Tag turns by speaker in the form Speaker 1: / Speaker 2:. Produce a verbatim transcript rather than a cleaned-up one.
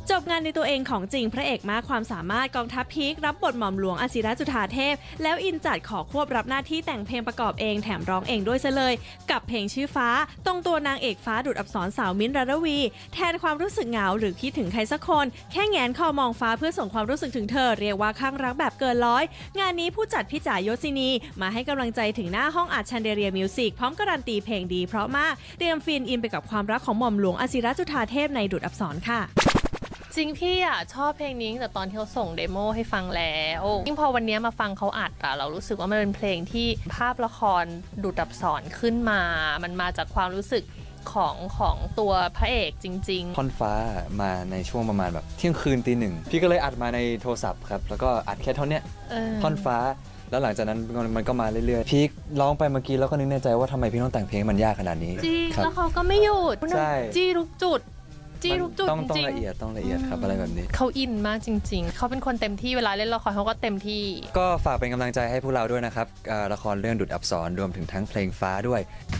Speaker 1: จบงานในตัวเองของจริงพระเอกมากความสามารถกองทัพพีครับบทหม่อมหลวงอศิรจุฑาเทพแล้วอินจัดขอควบรับหน้าที่แต่งเพลงประกอบเองแถมร้องเองด้วยซะเลยกับเพลงชื่อฟ้าตรงตัวนางเอกฟ้าดุจอักษรสาวมิ้นท์ รารวี แทนความรู้สึกเหงาหรือคิดถึงใครสักคนแค่แงนคอมองฟ้าเพื่อส่งความรู้สึกถึงเธอเรียกว่าข้างรักแบบเกินร้อยงานนี้ผู้จัดพี่จ๋ายศินีมาให้กำลังใจถึงหน้าห้องอัดชันเดเรียมิวสิกพร้อมการันตีเพลงดีเพราะมากเตรียมฟินอินไปกับความรักของหม่อมหลวงอศิรจุฑาเทพในดุจอักษรค่ะ
Speaker 2: จริงพี่อ่ะชอบเพลงนี้แต่ตอนที่เขาส่งเดโมให้ฟังแล้วยิ่งพอวันนี้มาฟังเขาอัดอะเรารู้สึกว่ามันเป็นเพลงที่ภาพละครดูดอับสอนขึ้นมามันมาจากความรู้สึกของของตัวพระเอกจริง
Speaker 3: ๆท่อนฟ้ามาในช่วงประมาณแบบเที่ยงคืนตีหนึ่งพี่ก็เลยอัดมาในโทรศัพท์ครับแล้วก็อัดแค่ท่อนเนี้ยท่อนฟ้าแล้วหลังจากนั้นมันก็มาเรื่อยๆพี่ร้องไปเมื่อกี้แล้วก็นึกในใจว่าทำไมพี่ต้องแต่งเพลงมันยากขนาดนี้
Speaker 2: จริงแล้วเขาก็ไม่หยุดจี้ทุกจุดจี้ทุกจุด
Speaker 3: ต้องต้องละเอียดต้องละเอียดครับอะไรแบบนี้
Speaker 2: เขาอินมากจริงๆเขาเป็นคนเต็มที่เวลาเล่นละครเขาก็เต็มที่
Speaker 3: ก็ฝากเป็นกำลังใจให้พวกเราด้วยนะครับละครเรื่องดุจอับสรรวมถึงทั้งเพลงฟ้าด้วย